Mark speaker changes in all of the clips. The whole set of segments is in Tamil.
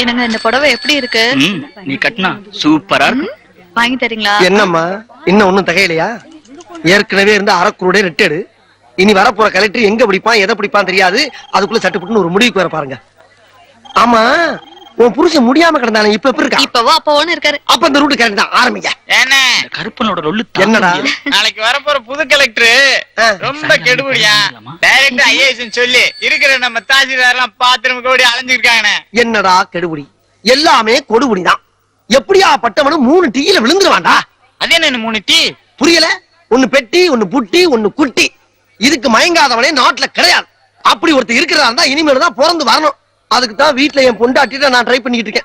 Speaker 1: என்னங்க இந்த புடவை எப்படி இருக்கு?
Speaker 2: நீ கட்டினா சூப்பரா இருக்கு.
Speaker 1: வாங்கி தரீங்களா?
Speaker 3: என்னம்மா இன்னும் ஒண்ணும் தகையிலையா? ஏற்கனவே இருந்த அரைக்குருடைய ரெட்டேடு. இனி வரப்போற கலெக்டர் எங்க பிடிப்பான் எதை பிடிப்பான் தெரியாது. அதுக்குள்ள சட்டுப்புட்டுன்னு ஒரு முடிவுக்கு வர பாருங்க. ஆமா உன் புருஷன் முடியாம கிடந்தானே இப்ப எப்படி இருக்கா?
Speaker 1: இப்பவோ அப்பவோன்னு இருக்காரு.
Speaker 3: அப்ப இந்த ரூட் கரெக்ட் தான் ஆரம்பிங்க.
Speaker 2: என்ன கருப்பனோட ரொல்லு
Speaker 3: என்னடா?
Speaker 4: நாளைக்கு வரப்போற புது கலெக்டர் ரொம்ப கெடுபடியா. டைரக்டர் ஐஏஎஸ் சொல்லி இருக்கிற நம்ம தாசில்தார் எல்லாம் பாத்திரம் கோடி அலைஞ்சிருக்காங்க.
Speaker 3: என்னடா கெடுபடி? எல்லாமே கொடுபடிதான். எப்படியா பட்டவனும் 3 டீல விழுந்துருவான்டா.
Speaker 4: அது என்ன 3 டீ?
Speaker 3: புரியல? ஒன்னு பெட்டி, ஒன்னு புட்டி, ஒன்னு குட்டி. இதுக்கு மயங்காதவனே நாட்டுல கிடையாது. அப்படி ஒருத்தர் இருக்கிறதா இருந்தா இனிமேல் தான் பிறந்து வரணும். அதுக்கு தான் வீட்டுல என் பொண்டாட்டிட்ட நான் ட்ரை பண்ணிட்டு இருக்கேன்.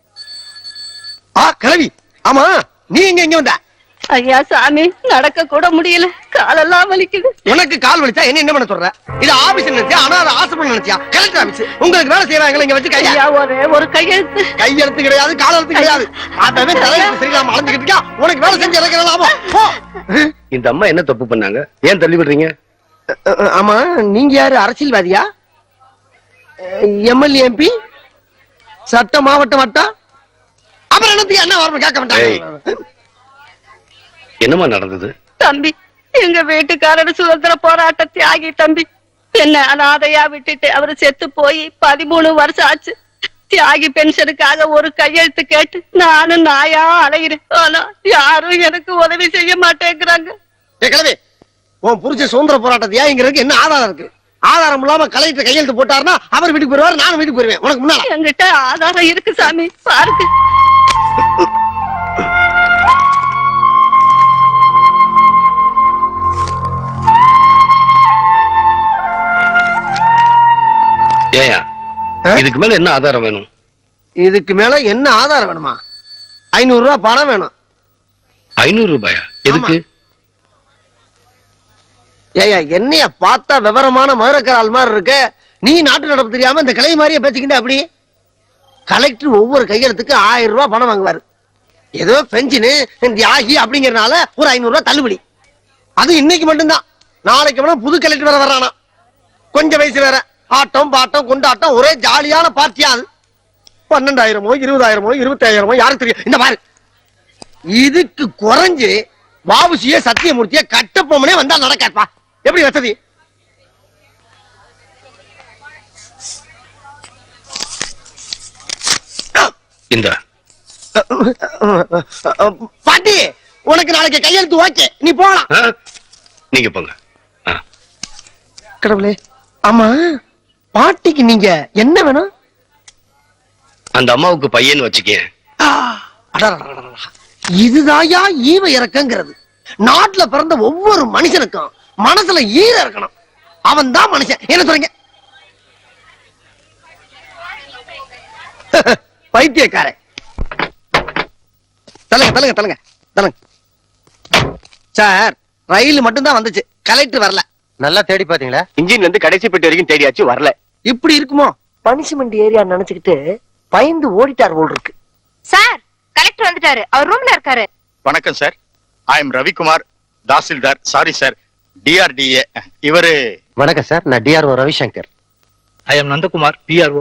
Speaker 3: கிழவி, ஆமா நீ எங்க வந்த?
Speaker 5: ஐயா சாமி, நடக்க கூட முடியல, காலெல்லாம் வலிக்குது.
Speaker 3: உனக்கு கால் வலிச்சா என்ன பண்ண சொல்ற? இது ஆபீஸ் நினைச்சியா அனாதை ஆசிரமம் நினைச்சியா? Collector office. உங்களுக்கு வேலை செய்யறாங்க இங்க வச்சு கையா
Speaker 5: ஒரு கையெழுத்து.
Speaker 3: கையெழுத்து கிடையாது, கால் எழுத்து கிடையாது. அதவே தலையில சரியில்லாம அலைஞ்சுக்கிட்டு இருக்கா. உனக்கு வேலை செஞ்சு இறக்கலாம்.
Speaker 6: இந்த அம்மா என்ன தப்பு பண்ணாங்க? ஏன் தள்ளி விடுறீங்க?
Speaker 3: ஆமா நீங்க யாரு? அரசியல்வாதியா? எம்எல்ஏ, எம்பி, சட்ட மாவட்ட வட்டம்? அப்புறம் என்னத்துக்கு என்ன வரணும் கேட்க மாட்டாங்க.
Speaker 6: என்னமா நடந்தது?
Speaker 5: தம்பி, எங்க வீட்டுக்காரர் சுதந்திர போராட்ட தியாகி தம்பி. என்ன அனாதையா விட்டுட்டு அவரு செத்து போய் 13 வருஷம் ஆச்சு. தியாகி பென்ஷனுக்காக ஒரு கையெழுத்து கேட்டு நானும் நாயா அலைகிறேன். ஆனா யாரும் எனக்கு உதவி செய்ய மாட்டேங்கிறாங்க.
Speaker 3: உன் புரிச்ச சுதந்திர போராட்ட தியாகிங்கிறதுக்கு என்ன ஆதாரம் இருக்கு? ஆதாரம் இல்லாம கலெக்டர் கையெழுத்து போட்டாருன்னா அவர் வீட்டுக்கு போயிருவாரு, நானும் வீட்டுக்கு போயிருவேன். உனக்கு முன்னால
Speaker 5: என்கிட்ட ஆதாரம் இருக்கு சாமி, பாருங்க.
Speaker 6: ஏயா இதுக்கு மேல என்ன ஆதாரம் வேணும்?
Speaker 3: இதுக்கு மேல என்ன ஆதாரம் வேணுமா? 500 ரூபாய் பணம் வேணும்.
Speaker 6: 500 ரூபாயா? எதுக்கு?
Speaker 3: ஏயா என்னைய பார்த்தா விவரமான மதுரக்கரால் மாதிரி இருக்க. நீ நாட்டு நடப்பு தெரியாம இந்த கிளை மாதிரியே பேசிக்கிட்ட. அப்படி கலெக்டர் ஒவ்வொரு கையெழுத்துக்கு 1000 ரூபாய் பணம் வாங்குவாரு. ஏதோ பென்ஷனு தியாகி அப்படிங்கறதுனால ஒரு 500 ரூபாய் தள்ளுபடி. அது இன்னைக்கு மட்டும்தான். நாளைக்கு வேணா புது கலெக்டர் வேற வரானா. கொஞ்சம் வயசு வேற. ஆட்டம் பாட்டம் கொண்டாட்டம் ஒரே ஜாலியான பார்ட்டியா. அது 12,000மோ 20,000மோ 25,000மோ யாருக்கு தெரியும்? இந்த மாதிரி இதுக்கு குறைஞ்சு வாவுசிய சத்தியமூர்த்திய கட்டப்பொம்மனே வந்தா நடக்காப்பா. எப்படி வசதி?
Speaker 6: இந்த
Speaker 3: பாட்டி உனக்கு நாளைக்கு கையெழுத்து ஓகே, நீ போகலாம்.
Speaker 6: நீங்க போங்க.
Speaker 3: கடவுளே, ஆமா பாட்டிக்கு நீங்க என்ன வேணும்?
Speaker 6: அந்த அம்மாவுக்கு பையன் வச்சுக்கேன்.
Speaker 3: இதுதாயா ஈவ இறக்கங்கிறது. நாட்டுல பிறந்த ஒவ்வொரு மனுஷனுக்கும் மனசுல ஈர இருக்கணும். அவன் தான் மனுஷன். என்ன சொல்றீங்க? பைத்தியக்கார. தலங்க தலங்க தலங்க தலங்க. சார், ரயில் மட்டும் தான் வந்துச்சு, கலெக்டர் வரல.
Speaker 7: நல்லா தேடி பாத்தீங்களா?
Speaker 6: இன்ஜின்ல இருந்து கடைசி பெட்டி வரைக்கும் தேடியாச்சு, வரல.
Speaker 3: இப்படி இருக்குமோ? பனிஷ்மெண்ட் ஏரியா நினைச்சுக்கிட்டு பயந்து ஓடிட்டார் போல் இருக்கு.
Speaker 1: சார், கலெக்டர் வந்துட்டாரு. அவர் ரூம்ல இருக்காரு.
Speaker 4: வணக்கம் sir. I am Ravikumar, tahsildar. Sorry sir, DRDA. இவரு.
Speaker 7: வணக்கம் சார், நான் DRO Ravishankar.
Speaker 2: I am Nandakumar, PRO.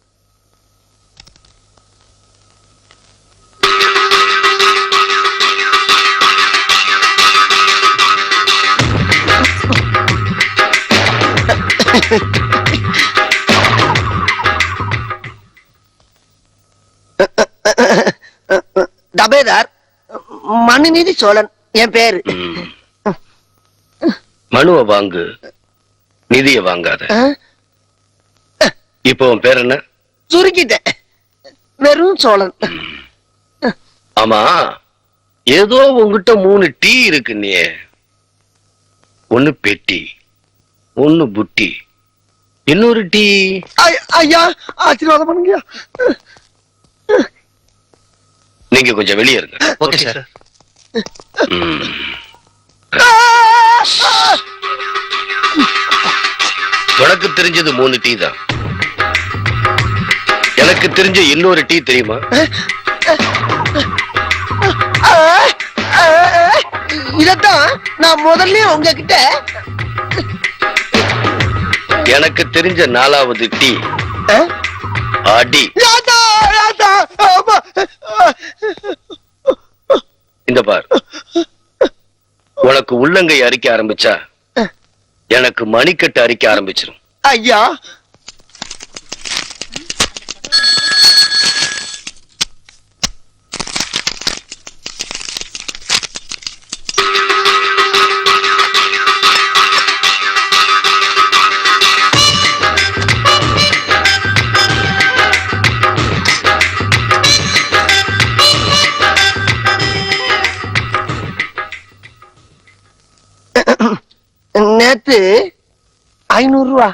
Speaker 3: டபேதார் மனுநீதி சோழன் என் பேரு.
Speaker 6: மனுவை வாங்கு, நிதிய வாங்காத. இப்போ உன் பேர் என்ன?
Speaker 3: சுருக்கிட்டேன், வெறும் சோழன்.
Speaker 6: ஆமா, ஏதோ உங்ககிட்ட 3 டீ இருக்கு. நீ ஒன்னு பெட்டி, ஒன்னு புட்டி, இன்னொரு டீ.
Speaker 3: ஐயா ஆசீர்வாதம் பண்ணுங்க.
Speaker 6: நீங்க கொஞ்சம் வெளியே இருங்க.
Speaker 7: Okay sir.
Speaker 6: உனக்கு தெரிஞ்சது 3 டீ தான். எனக்கு தெரிஞ்ச இன்னொரு டீ தெரியுமா?
Speaker 3: இதத்தான் நான் முதல்ல உங்ககிட்ட.
Speaker 6: எனக்கு தெரிஞ்ச 4வது டீ அடி.
Speaker 3: அம்மா.
Speaker 6: இந்த பார், உனக்கு உள்ளங்கை அரிக்க ஆரம்பிச்சா எனக்கு மணிக்கட்டு அரிக்க ஆரம்பிச்சிடும்.
Speaker 3: ஐயா நேத்து 500 ரூபா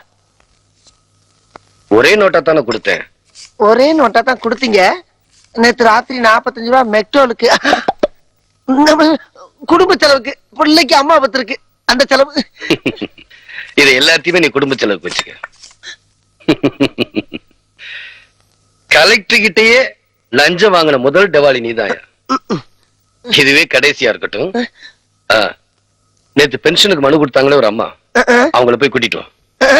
Speaker 6: ஒரே நோட்டா தானே கொடுத்தேன்.
Speaker 3: ஒரே நோட்டா தான் கொடுத்தீங்க. நேத்து ராத்திரி 45 ரூபா மெக்டோலுக்கு, நம்ம குடும்ப செலவுக்கு, பிள்ளைக்கு அம்மா பத்திருக்கு அந்த செலவு.
Speaker 6: இதை எல்லாத்தையுமே நீ குடும்ப செலவுக்கு வச்சுக்க. கலெக்டர் கிட்டயே லஞ்சம் வாங்கின முதல் டெவாலி நீதாயா. இதுவே கடைசியா இருக்கட்டும். நேத்து பென்ஷனுக்கு மனு கொடுத்தாங்களே ஒரு அம்மா, அவங்கள போய் கூட்டிட்டு வா.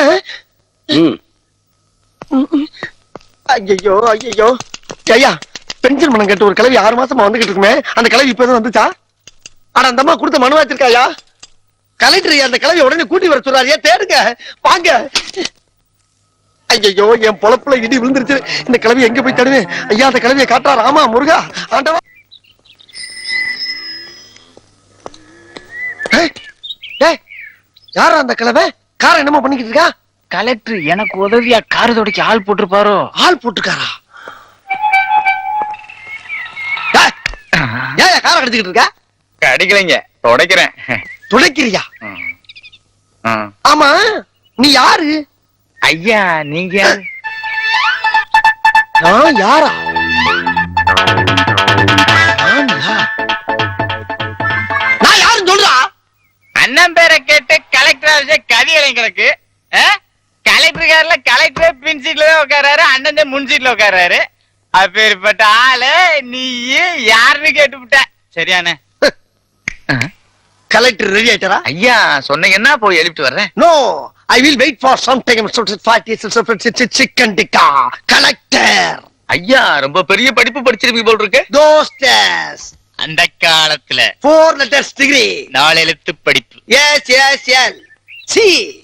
Speaker 3: ஐயோ ஐயோ ஐயா, பென்ஷன் பணம் கேட்டு ஒரு கிளவி 6 மாசமா வந்துகிட்டு இருக்குமே, அந்த கிளவி இப்பதான் வந்துச்சா? ஆனா அந்த அம்மா கொடுத்த மனு வச்சிருக்காயா? கலெக்டர் அந்த கிளவி உடனே கூட்டி வர சொல்றாரு. தேடுங்க வாங்க. ஐயோ, என் பொழப்புல இடி விழுந்துருச்சு. இந்த கிளவி எங்க போய் தேடுவேன்? ஐயா, அந்த கிளவியை காட்டா ராமா முருகா ஆண்டவா. யாரா அந்த கிளவை? கார என்னமோ பண்ணிக்கிட்டு இருக்கா?
Speaker 4: கலெக்டர் எனக்கு உதவியா கார் துடைக்க ஆள் போட்டிருப்பாரோ?
Speaker 3: ஆள் போட்டுக்காரா? ஏன் கார கடிச்சுக்கிட்டு இருக்கா?
Speaker 4: அடிக்கலைங்க, துடைக்கிறேன்.
Speaker 3: துடைக்கிறியா? ஆமா, நீ யாரு?
Speaker 4: ஐயா, நீங்க யாரு?
Speaker 3: நான் யாரா? நான் யாருன்னு சொல்றா?
Speaker 4: அண்ணன் பேரை கேட்டு கலெக்டர் கதி இளைஞருக்கு கலெக்டர் கார்ல கலெக்டர் பின் சீட்ல தான் உட்காராரு, அண்ணன் முன் சீட்ல உட்காராரு. அப்பேற்பட்ட ஆளு நீ யாருன்னு கேட்டுவிட்ட. சரியானே?
Speaker 3: கலெக்டர் ரெடி ஆயிட்டாரா?
Speaker 4: ஐயா சொன்னீங்கன்னா போய் எழுப்பிட்டு வர்றேன்.
Speaker 3: No, I will wait for some time. Chicken tikka collector.
Speaker 4: ஐயா ரொம்ப பெரிய படிப்பு படிச்சிருப்பீங்க போல் இருக்கு.
Speaker 3: தோஸ்டஸ்
Speaker 4: அந்த காலத்துல
Speaker 3: 4 letters degree,
Speaker 4: 4 எழுத்து படிப்பு.
Speaker 3: S S L C.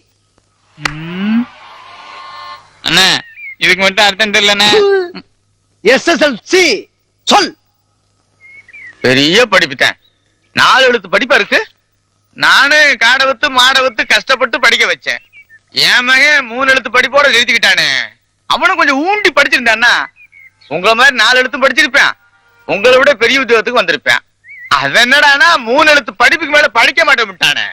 Speaker 4: அண்ணா இதுக்கு மட்டும் அர்த்தம் தெரியலண்ணே.
Speaker 3: எஸ்எஸ்எல்சி சொல்.
Speaker 4: பெரிய படிப்பு தான், 4 எழுத்து படிப்பா இருக்கு. நானு காடவத்து மாடவத்து கஷ்டப்பட்டு படிக்க வச்சேன். என் மகன் 3 எழுத்து படிப்போட எழுதிக்கிட்டானே. அவனும் கொஞ்சம் ஊண்டி படிச்சிருந்தான்னா உங்களை மாதிரி 4 எழுத்தும் படிச்சிருப்பேன். உங்களை விட பெரிய உத்தியோகத்துக்கு வந்திருப்பேன். அது என்னடானா 3 எழுத்து படிப்புக்கு மேல படிக்க மாட்டேன் விட்டானே.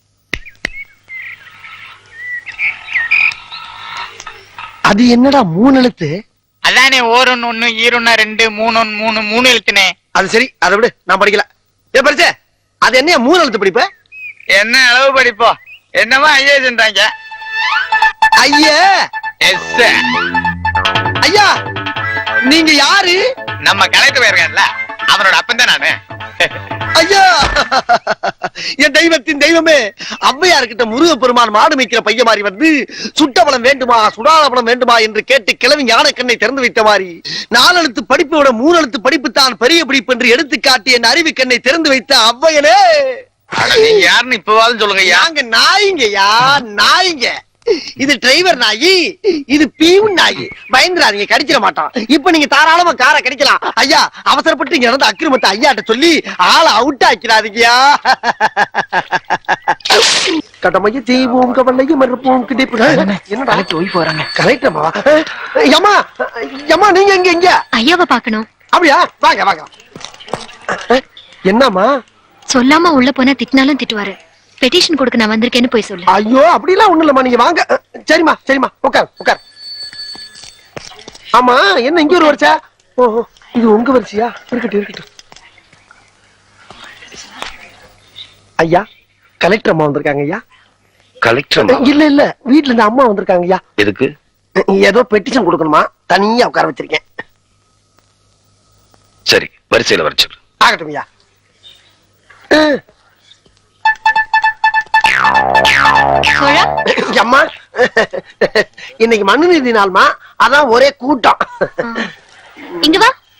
Speaker 3: அது என்னடா 3 எழுத்து?
Speaker 4: அதானே ஓரொன்னு 1 ஈரொன்னா 2 3 3 எழுத்துனே.
Speaker 3: அது சரி, அதை விடு, நான் படிக்கல. ஏ படிச்சே, அது என்ன 3 எழுத்து படிப்பு?
Speaker 4: என்ன அளவு படிப்போ? என்னமா ஐஏன்றாங்க.
Speaker 3: ஐயா
Speaker 4: எஸ்
Speaker 3: ஐயா, நீங்க யாரு?
Speaker 4: நம்ம கலெக்டர் போயிருக்கான்ல, அவனோட அப்பன் தான் நானு.
Speaker 3: ஐயா, என் தெய்வத்தின் தெய்வமே, ஔவையார்கிட்ட முருகப்பெருமான் மாடு மேய்க்கிற பையன் மாதிரி வந்து சுட்டபலம் வேண்டுமா சுடாலபலம் வேண்டுமா என்று கேட்டு கிளவி ஞான கண்ணை திறந்து வைத்த மாதிரி 4 எழுத்து படிப்பை விட 3 எழுத்து படிப்பு தான் பெரிய படிப்பு என்று எடுத்து காட்டி என் அறிவு கண்ணை திறந்து வைத்த ஔவையனே.
Speaker 4: நீங்க யாருன்னு இப்பவாலும் சொல்லுங்க.
Speaker 3: நாங்க நாய்ங்கயா, நாய்ங்க. இது டிரைவர் நாயி, இது பீவன் நாயி. பயந்துராதீங்க, கடிச்சிட மாட்டான். இப்ப நீங்க தாராளமா காரை கடிக்கலாம். ஐயா, அவசரப்பட்டு இங்க நடந்த அக்கிரமத்தை ஐயாட்ட சொல்லி ஆளை அவுட் ஆக்கிறாதீங்கயா. கடமையை செய்வோம், கவலையை மறுப்போம், கிடைப்பு. என்னடா
Speaker 4: ஒய்ஃப் வராங்க.
Speaker 3: கரெக்டமா? யம்மா யம்மா, நீங்க எங்க? எங்க
Speaker 1: ஐயாவை பாக்கணும்.
Speaker 3: அப்படியா? வாங்க வாங்க. என்னம்மா?
Speaker 1: சொல்லாம உள்ள போனா திட்டினாலும் திட்டுவாரு. பெட்டிஷன் கொடுக்க நான் வந்திருக்கேன்னு போய் சொல்லு.
Speaker 3: ஐயோ, அப்படிலாம் ஒண்ணு இல்லம்மா, நீங்க வாங்க. சரிம்மா சரிம்மா, உட்கார் உட்கார். ஆமா, என்ன இங்க ஒரு வரிசை? ஓஹோ, இது உங்க வரிசையா? இருக்கட்டும் இருக்கட்டும். ஐயா, கலெக்டர் அம்மா வந்திருக்காங்க ஐயா.
Speaker 6: கலெக்டர்
Speaker 3: இல்ல இல்ல, வீட்டுல இருந்து அம்மா வந்திருக்காங்க ஐயா.
Speaker 6: எதுக்கு?
Speaker 3: ஏதோ பெட்டிஷன் கொடுக்கணுமா, தனியா உட்கார வச்சிருக்கேன்.
Speaker 6: சரி, வரிசையில வர சொல்லு.
Speaker 3: ஆகட்டும் ஐயா. அம்மா, இன்னைக்கு மனுநீதி நாள்மா, அதான் ஒரே கூட்டம்.
Speaker 1: இங்க வா.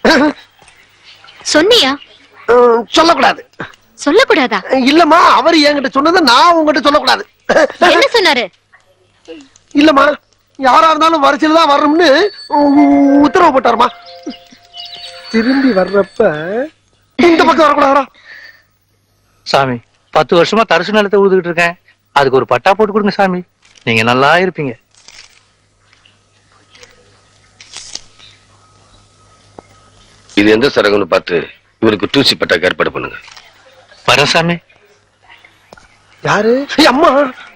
Speaker 1: சொன்னியா?
Speaker 3: சொல்லக்கூடாது.
Speaker 1: சொல்லக்கூடாதா?
Speaker 3: இல்லம்மா, அவர் என்கிட்ட சொன்னதை நான் உங்ககிட்ட சொல்லக்கூடாது.
Speaker 1: என்ன சொன்னாரு?
Speaker 3: இல்லம்மா, யாரா இருந்தாலும் வரிசையில தான் வரணும்னு உத்தரவு போட்டாருமா. திரும்பி வர்றப்ப இந்த பக்கம் வரக்கூடாதா?
Speaker 2: சாமி 10 வருஷமா தரிசு நிலத்தை ஊதுகிட்டு இருக்கேன். அதுக்கு ஒரு பட்டா போட்டு கொடுங்க சாமி. நீங்க நல்லா இருப்பீங்க.
Speaker 6: இது எந்த சரகம்னு பார்த்து இவருக்கு டூசி பட்டாக்கு ஏற்பாடு பண்ணுங்க.
Speaker 2: வரேன் சாமி.
Speaker 3: யாரு? அம்மா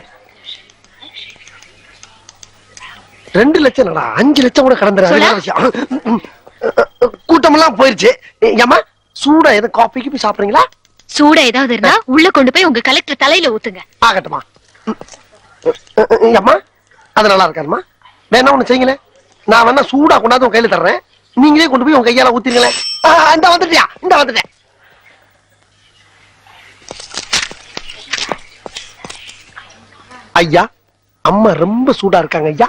Speaker 3: 2 லட்சம் நடா, 5 லட்சம் கூட கடந்துறாரு. கூட்டமெல்லாம் போயிருச்சு. ஏம்மா, சூடா எது காஃபி போய் சாப்பிடுறீங்களா?
Speaker 1: சூடா ஏதாவது இருந்தா உள்ள கொண்டு போய் உங்க கலெக்டர் தலையில ஊத்துங்க.
Speaker 3: ஆகட்டுமா. அம்மா, அது நல்லா இருக்காருமா. வேணா ஒண்ணு செய்யுங்களேன், நான் வேணா சூடா கொண்டாந்து உங்க கையில தர்றேன். நீங்களே கொண்டு போய் உங்க கையால ஊத்திருங்களேன். இந்த வந்துட்டியா? இந்த வந்துட்டேன். ஐயா, அம்மா ரொம்ப சூடா இருக்காங்க ஐயா.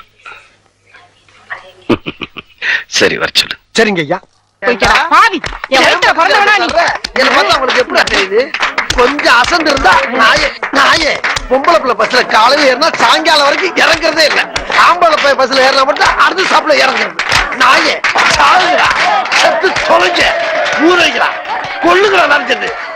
Speaker 6: சரி, வர சொல்லு.
Speaker 3: சரிங்க ஐயா.
Speaker 5: பாவி, என் வயித்துல பிறந்தவனா நீ?
Speaker 3: என்ன பார்த்தா உங்களுக்கு எப்படி தெரியுது? கொஞ்சம் அசந்து இருந்தா நாயே பொம்பளை பிள்ளை பஸ்ல காலையில ஏறினா சாயங்காலம் வரைக்கும் இறங்குறதே இல்லை. ஆம்பளை பஸ்ல ஏறினா மட்டும் அடுத்த சாப்பிட இறங்குறது. நாயே சாகுறா, செத்து தொலைஞ்ச ஊரைக்கிறா, கொள்ளுகிறா நினைச்சது.